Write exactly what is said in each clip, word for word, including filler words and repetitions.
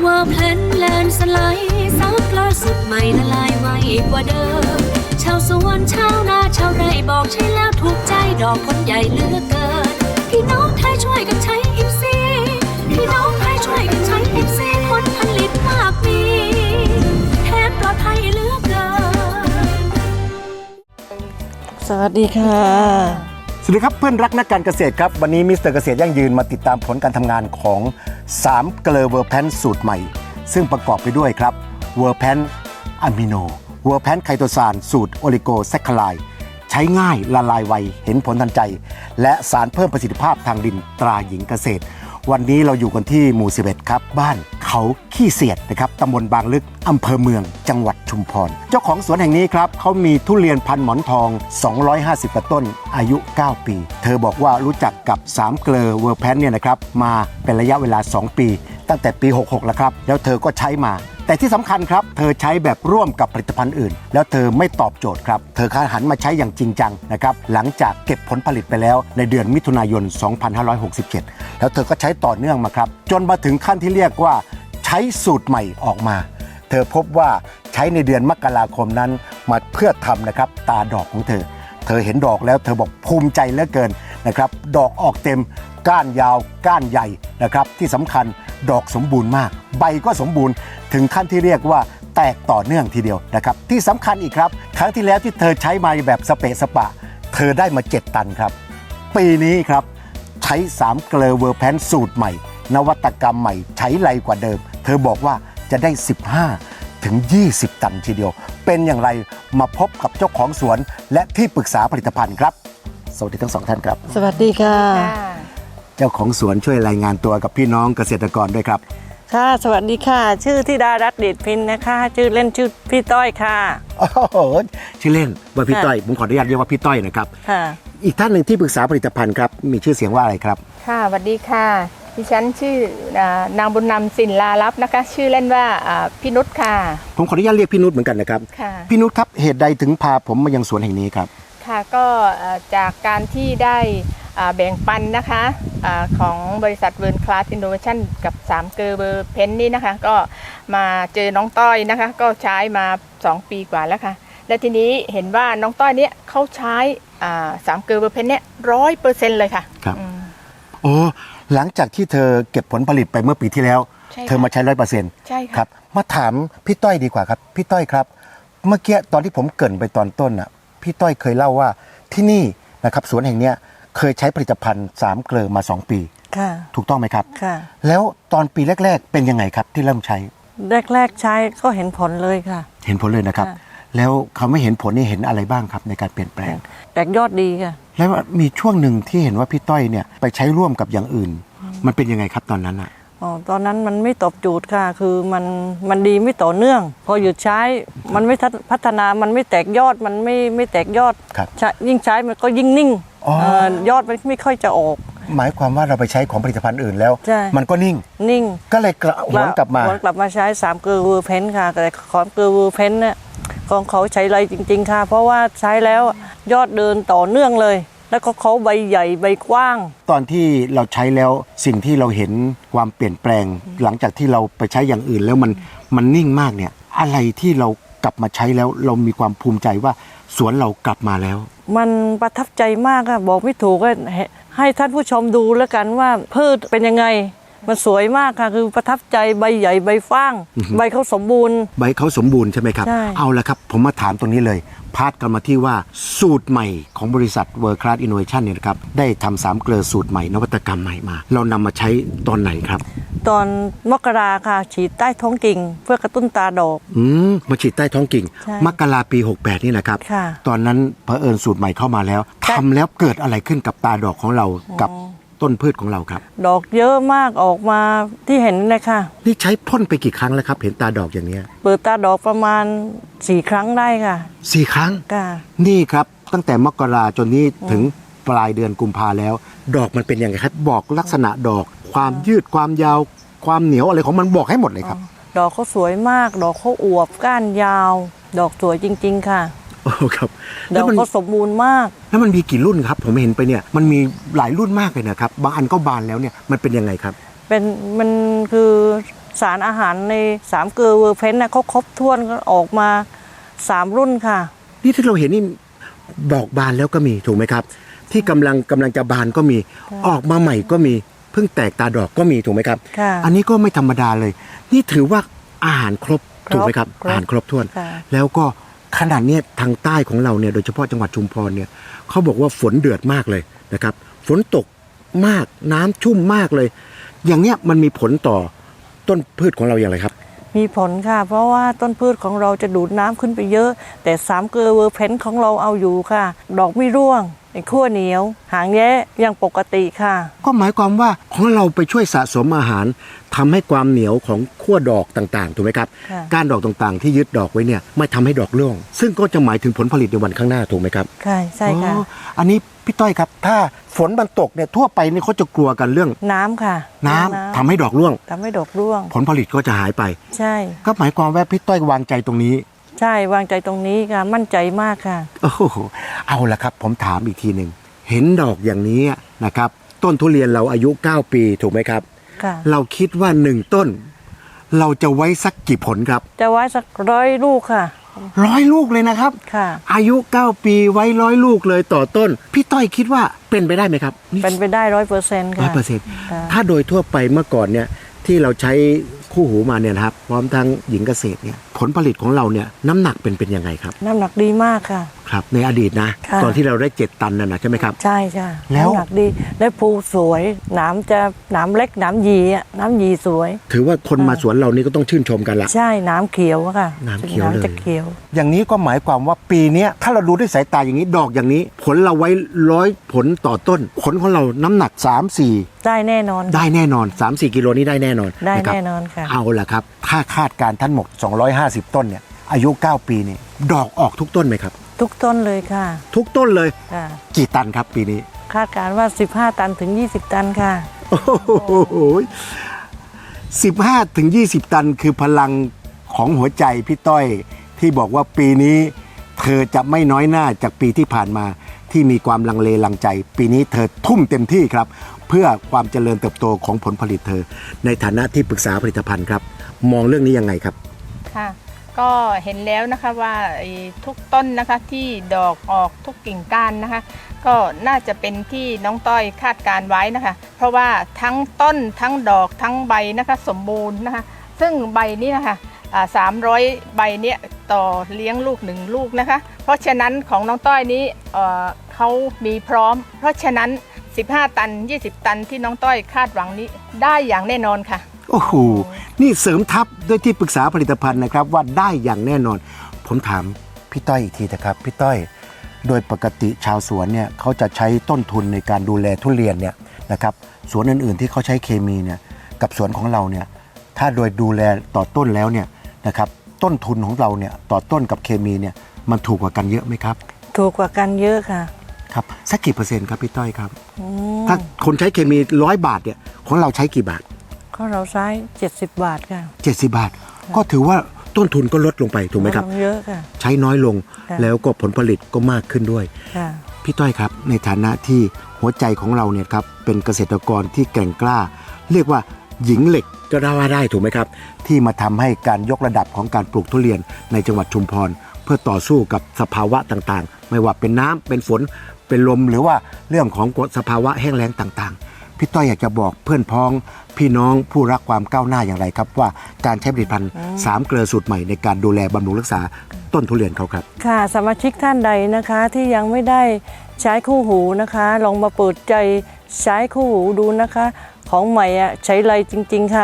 ว่าเพลนแลนสไลด์ซับล่าสุดใหม่ละลายไวกว่าเดิมชาวสวนชาวนาชาวไร่บอกใช่แล้วถูกใจดอกคนใหญ่เหลือเกินพี่น้องไทยช่วยกันใช้อิฟซีพี่น้องไทยช่วยกันใช้อิฟซีผลผลิตมากมีแถมปลอดภัยเหลือเกินสวัสดีค่ะสวัสดีครับเพื่อนรักนักการเกษตรครับวันนี้มิสเตอร์เกษตรยั่งยืนมาติดตามผลการทำงานของสามเกลอเวอร์แพนสูตรใหม่ซึ่งประกอบไปด้วยครับเวอร์แพนอะมิโนเวอร์แพนไคโตซานสูตรโอลิโกแซคคาไลด์ใช้ง่ายละลายไวเห็นผลทันใจและสารเพิ่มประสิทธิภาพทางดินตราหญิงเกษตรวันนี้เราอยู่กันที่หมู่สิบเอ็ดครับบ้านเขาขี้เสียดนะครับตำบลบางลึกอำเภอเมืองจังหวัดชุมพรเจ้าของสวนแห่งนี้ครับเขามีทุเรียนพันหมอนทองสองร้อยห้าสิบกว่าต้นอายุเก้าปีเธอบอกว่ารู้จักกับสามเกลอเวอร์แพนเนี่ยนะครับมาเป็นระยะเวลาสองปีตั้งแต่ปีหกหกแล้วครับแล้วเธอก็ใช้มาแต่ที่สำคัญครับเธอใช้แบบร่วมกับผลิตภัณฑ์อื่นแล้วเธอไม่ตอบโจทย์ครับเธอหันมาใช้อย่างจริงจังนะครับหลังจากเก็บผลผลิตไปแล้วในเดือนมิถุนายนสองพันห้าร้อยหกสิบเจ็ดแล้วเธอก็ใช้ต่อเนื่องมาครับจนมาถึงขั้นที่เรียกว่าใช้สูตรใหม่ออกมาเธอพบว่าใช้ในเดือนมกราคมนั้นมาเพื่อทำนะครับตาดอกของเธอเธอเห็นดอกแล้วเธอบอกภูมิใจเหลือเกินนะครับดอกออกเต็มก้านยาวก้านใหญ่นะครับที่สำคัญดอกสมบูรณ์มากใบก็สมบูรณ์ถึงขั้นที่เรียกว่าแตกต่อเนื่องทีเดียวนะครับที่สำคัญอีกครับครั้งที่แล้วที่เธอใช้มาแบบสเปะสปะเธอได้มาเจ็ดตันครับปีนี้ครับใช้สามเกลอเวอร์แพนสูตรใหม่นวัตกรรมใหม่ใช้ไรกว่าเดิมเธอบอกว่าจะได้สิบห้าถึงยี่สิบตันทีเดียวเป็นอย่างไรมาพบกับเจ้าของสวนและที่ปรึกษาผลิตภัณฑ์ครับสวัสดีทั้งสองท่านครับสวัสดีค่ะเจ้าของสวนช่วยรายงานตัวกับพี่น้องเกษตรกรด้วยครับค่ะสวัสดีค่ะชื่อธิดารัตน์เดชพินนะคะชื่อเล่นชื่อพี่ต้อยค่ะโอ้โหชื่อเล่นว่าพี่ต้อยผมขออนุญาตเรียกว่าพี่ต้อยนะครับค่ะอีกท่านหนึ่งที่ปรึกษาผลิตภัณฑ์ครับมีชื่อเสียงว่าอะไรครับค่ะสวัสดีค่ะดิฉันชื่อนางบุญนำสินลาลับนะคะชื่อเล่นว่าพี่นุชค่ะผมขออนุญาตเรียกพี่นุชเหมือนกันนะครับพี่นุชครับเหตุใดถึงพาผมมายังสวนแห่งนี้ครับค่ะก็จากการที่ได้แบ่งปันนะคะของบริษัทเวิร์นคลาสอินโนเวชั่นกับสามเกลอเวอร์แพนนี่นะคะก็มาเจอน้องต้อยนะคะก็ใช้มาสองปีกว่าแล้วค่ะและทีนี้เห็นว่าน้องต้อยเนี้ยเขาใช้สามเกลอเวอร์แพนเนี้ยร้อยเปอร์เซ็นต์เลยค่ะครับโอ้หลังจากที่เธอเก็บผลผลิตไปเมื่อปีที่แล้วเธอมาใช้ร้อยเปอร์เซ็นต์ใช่ครับมาถามพี่ต้อยดีกว่าครับพี่ต้อยครับเมื่อกี้ตอนที่ผมเกริ่นไปตอนต้นอ่ะพี่ต้อยเคยเล่าว่าที่นี่นะครับสวนแห่งเนี้ยเคยใช้ผลิตภัณฑ์สามเกลอมาสองปีค่ะถูกต้องไหมครับค่ะแล้วตอนปีแรกๆเป็นยังไงครับที่เริ่มใช้แรกๆใช้ก็เห็นผลเลยค่ะเห็นผลเลยนะครับแล้วเขาไม่เห็นผลนี่เห็นอะไรบ้างครับในการเปลี่ยนแปลงแตกยอดดีค่ะแล้วมีช่วงหนึ่งที่เห็นว่าพี่ต้อยเนี่ยไปใช้ร่วมกับอย่างอื่นมันเป็นยังไงครับตอนนั้นอ่ะอ๋อตอนนั้นมันไม่ตอบโจทย์ค่ะคือมันมันดีไม่ต่อเนื่องพอหยุดใช้มันไม่พัฒนามันไม่แตกยอดมันไม่ไม่แตกยอดยิ่งใช้มันก็ยิ่งนิ่งยอดมันไม่ค่อยจะออกหมายความว่าเราไปใช้ของผลิตภัณฑ์อื่นแล้วมันก็นิ่งนิ่งก็เลยกระหวนกลับมาหวนกลับมาใช้สามเกลอเวอร์แพนค่ะแต่ของเกลอเวอร์แพนเนี่ยของเขาใช้ไรจริงๆค่ะเพราะว่าใช้แล้วยอดเดินต่อเนื่องเลยแล้วก็เขาใบใหญ่ใบกว้างตอนที่เราใช้แล้วสิ่งที่เราเห็นความเปลี่ยนแปลงหลังจากที่เราไปใช้อย่างอื่นแล้วมันมันนิ่งมากเนี่ยอะไรที่เรากลับมาใช้แล้วเรามีความภูมิใจว่าสวนเรากลับมาแล้วมันประทับใจมากค่ะบอกไม่ถูกก็ให้ท่านผู้ชมดูแล้วกันว่าพืชเป็นยังไงมันสวยมากค่ะคือประทับใจใบใหญ่ใบฟ้างใบเขาสมบูรณ์ใบเขาสมบูรณ์ใช่ไหมครับเอาละครับผมมาถามตรงนี้เลยพาดกันมาที่ว่าสูตรใหม่ของบริษัท World Class Innovation เนี่ยครับได้ทำสามเกลอสูตรใหม่นวัตกรรมใหม่มาเรานำมาใช้ตอนไหนครับตอนมกราค่ะฉีดใต้ท้องกิ่งเพื่อกระตุ้นตาดอกอืมมาฉีดใต้ท้องกิ่งมกราปีหกแปดนี่นะครับตอนนั้นเผอิญสูตรใหม่เข้ามาแล้วทำแล้วเกิดอะไรขึ้นกับตาดอกของเรากับต้นพืชของเราครับดอกเยอะมากออกมาที่เห็นเลยค่ะนี่ใช้พ่นไปกี่ครั้งแล้วครับเห็นตาดอกอย่างนี้เปิดตาดอกประมาณสี่ครั้งได้ค่ะสี่ครั้งค่ะนี่ครับตั้งแต่มกราจนนี้ถึงปลายเดือนกุมภาแล้ว ดอกมันเป็นยังไงครับบอกลักษณะดอกความยืดความยาวความเหนียวอะไรของมันบอกให้หมดเลยครับดอกเขาสวยมากดอกเขาอวบก้านยาวดอกสวยจริงๆค่ะโอ้ครับดอกเขาสมบูรณ์มากแล้วมันมีกี่รุ่นครับผมเห็นไปเนี่ยมันมีหลายรุ่นมากเลยนะครับบางอันก็บานแล้วเนี่ยมันเป็นยังไงครับเป็นมันคือสารอาหารในสามเกลือเวอร์เพนนะเขาครบถ้วนก็ออกมาสามรุ่นค่ะนี่ที่เราเห็นนี่ดอกบานแล้วก็มีถูกไหมครับที่กำลังกำลังจะบานก็มีออกมาใหม่ก็มีเพิ่งแตกตาดอกก็มีถูกไหมครับอันนี้ก็ไม่ธรรมดาเลยนี่ถือว่าอาหารครบถูกไหมครับอาหารครบถ้วนแล้วก็ขนาดนี้ทางใต้ของเราเนี่ยโดยเฉพาะจังหวัดชุมพรเนี่ยเขาบอกว่าฝนเดือดมากเลยนะครับฝนตกมากน้ำชุ่มมากเลยอย่างเนี้ยมันมีผลต่อต้นพืชของเราอย่างไรครับมีผลค่ะเพราะว่าต้นพืชของเราจะดูดน้ำขึ้นไปเยอะแต่สามเกลือเวอร์เพนของเราเอาอยู่ค่ะดอกไม่ร่วงไอ้ขั้วเหนียวหางแย้ยังปกติค่ะก็หมายความว่าของเราไปช่วยสะสมอาหารทำให้ความเหนียวของขั้วดอกต่างๆถูกไหมครับก้านดอกต่างๆที่ยึดดอกไว้เนี่ยไม่ทำให้ดอกร่วงซึ่งก็จะหมายถึงผลผลิตในวันข้างหน้าถูกไหมครับใช่ใช่ค่ะอันนี้พี่ต้อยครับถ้าฝนมันตกเนี่ยทั่วไปนี่เขาจะกลัวกันเรื่องน้ำค่ะน้ำทำให้ดอกร่วงทำให้ดอกร่วงผลผลิตก็จะหายไปใช่ก็หมายความว่าพี่ต้อยวางใจตรงนี้ใช่วางใจตรงนี้ค่ะมั่นใจมากค่ะโอ้โหเอาละครับผมถามอีกทีหนึ่งเห็นดอกอย่างนี้นะครับต้นทุเรียนเราอายุเก้าปีถูกไหมครับค่ะเราคิดว่าหนึ่งต้นเราจะไว้สักกี่ผลครับจะไว้สักร้อยลูกค่ะร้อยลูกเลยนะครับค่ะอายุเก้าปีไว้ร้อยลูกเลยต่อต้นพี่ต้อยคิดว่าเป็นไปได้ไหมครับเป็นไปได้ร้อยเปอร์เซ็นต์ค่ะร้อยเปอร์เซ็นต์ถ้าโดยทั่วไปเมื่อก่อนเนี่ยที่เราใช้คู่หูมาเนี่ยนะครับพร้อมทั้งหญิงเกษตรเนี่ยผลผลิตของเราเนี่ยน้ำหนักเป็นเป็นยังไงครับน้ำหนักดีมากค่ะครับในอดีตนะตอนที่เราได้เจ็ดตันน่ะนะใช่ไหมครับใช่ใช่แล้วน้ำหนักดีได้ภูสวยน้ำจะน้ำเล็กน้ำยีอ่ะน้ำยีสวยถือว่าคนมาสวนเรานี่ก็ต้องชื่นชมกันละใช่น้ำเขียวค่ะน้ำเขียวเลยจะเขียวอย่างนี้ก็หมายความว่าปีนี้ถ้าเราดูด้วยสายตาอย่างนี้ดอกอย่างนี้ผลเราไว้ร้อยผลต่อต้นผลของเราน้ำหนัก สามสี่ได้แน่นอนได้แน่นอน สามสี่ กิโลนี้ได้แน่นอนได้แน่นอนค่ะเอาล่ะครับถ้าคาดการท่านหมดสองร้อยห้าสิบต้นเนี่ยอายุเก้าปีนี่ดอกออกทุกต้นไหมครับทุกต้นเลยค่ะทุกต้นเลยค่ะกี่ตันครับปีนี้คาดการว่าสิบห้าตันถึงยี่สิบตันค่ะโอ้โหสิบห้าถึงยี่สิบตันคือพลังของหัวใจพี่ต้อยที่บอกว่าปีนี้เธอจะไม่น้อยหน้าจากปีที่ผ่านมาที่มีความลังเลลังใจปีนี้เธอทุ่มเต็มที่ครับเพื่อความเจริญเติบโตของผลผลิตเธอในฐานะที่ปรึกษาผลิตภัณฑ์ครับมองเรื่องนี้ยังไงครับค่ะก็เห็นแล้วนะคะว่าทุกต้นนะคะที่ดอกออกทุกกิ่งก้านนะคะก็น่าจะเป็นที่น้องต้อยคาดการไว้นะคะเพราะว่าทั้งต้นทั้งดอกทั้งใบนะคะสมบูรณ์นะคะซึ่งใบนี้นะคะสามร้อยใบเนี้ยต่อเลี้ยงลูกหนึ่งลูกนะคะเพราะฉะนั้นของน้องต้อยนี้เอ่อเขามีพร้อมเพราะฉะนั้นสิบห้าตันยี่สิบตันที่น้องต้อยคาดหวังนี้ได้อย่างแน่นอนค่ะโอ้โหนี่เสริมทัพด้วยที่ปรึกษาผลิตภัณฑ์นะครับว่าได้อย่างแน่นอนผมถามพี่ต้อยอีกทีนะครับพี่ต้อยโดยปกติชาวสวนเนี่ยเขาจะใช้ต้นทุนในการดูแลทุเรียนเนี่ยนะครับสวนอื่นๆที่เขาใช้เคมีเนี่ยกับสวนของเราเนี่ยถ้าโดยดูแลต่อต้นแล้วเนี่ยนะครับต้นทุนของเราเนี่ยต่อต้นกับเคมีเนี่ยมันถูกกว่ากันเยอะไหมครับถูกกว่ากันเยอะค่ะครับสักกี่เปอร์เซ็นต์ครับพี่ต้อยครับถ้าคนใช้เคมีร้อยบาทเนี่ยของเราใช้กี่บาทของเราใช้เจ็ดสิบบาทค่ะเจ็ดสิบบาทก็ถือว่าต้นทุนก็ลดลงไปถูกไหมครับเยอะค่ะใช้น้อยลงแล้วก็ผลผลิตก็มากขึ้นด้วยพี่ต้อยครับในฐานะที่หัวใจของเราเนี่ยครับเป็นเกษตรกรที่แกร่งกล้าเรียกว่าหญิงเหล็กก็ได้ว่าได้ถูกไหมครับที่มาทำให้การยกระดับของการปลูกทุเรียนในจังหวัดชุมพรเพื่อต่อสู้กับสภาวะต่างๆไม่ว่าเป็นน้ำเป็นฝนเป็นลมหรือว่าเรื่องของสภาวะแห้งแล้งต่างๆพี่ต้อยอยากจะบอกเพื่อนพ้องพี่น้องผู้รักความก้าวหน้าอย่างไรครับว่าการใช้ผลิตภัณฑ์สามเกลือสูตรใหม่ในการดูแลบำรุงรักษาต้นทุเรียนเขาครับค่ะสมาชิกท่านใดนะคะที่ยังไม่ได้ใช้คู่หูนะคะลองมาเปิดใจใช้คู่หูดูนะคะของใหม่อ่ะใช้ไรจริงๆค่ะ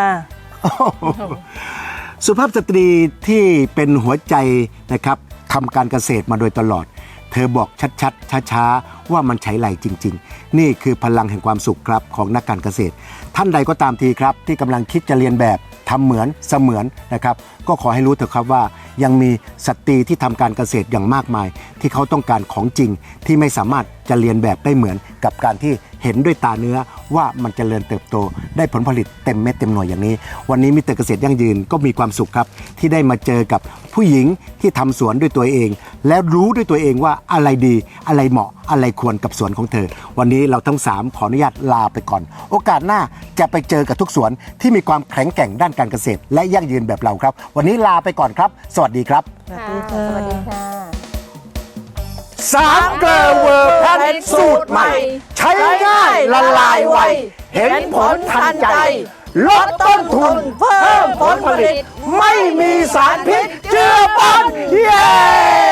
สุภาพสตรีที่เป็นหัวใจนะครับทำการเกษตรมาโดยตลอดเธอบอกชัดๆช้าๆว่ามันใช้ไรจริงๆนี่คือพลังแห่งความสุขครับของนักการเกษตรท่านใดก็ตามทีครับที่กำลังคิดจะเรียนแบบทำเหมือนเสมือนนะครับก็ขอให้รู้เถอะครับว่ายังมีสตรีที่ทำการเกษตรอย่างมากมายที่เขาต้องการของจริงที่ไม่สามารถจะเรียนแบบได้เหมือนกับการที่เห็นห็นด้วยตาเนื้อว่ามันจเจริญเติบโตได้ผลผลิตเต็มเม็ดเต็มหน่วยอย่างนี้วันนี้มิสเตอร์เกษตรยั่งยืนก็มีความสุขครับที่ได้มาเจอกับผู้หญิงที่ทำสวนด้วยตัวเองและรู้ด้วยตัวเองว่าอะไรดีอะไรเหมาะอะไรควรกับสวนของเธอวันนี้เราทั้งสามขออนุญาตลาไปก่อนโอกาสหน้าจะไปเจอกับทุกสวนที่มีความแข็งแกร่งด้านการเกษตรและยั่งยืนแบบเราครับวันนี้ลาไปก่อนครับสวัสดีครับค่ะสวัสดีค่ะสามเกลอเวอร์แพนสูตรใหม่ใช้ง่ายละลายไวเห็นผลทันใจลดต้นทุนเพิ่มผลผลิตไม่มีสารพิษเจือปนเย้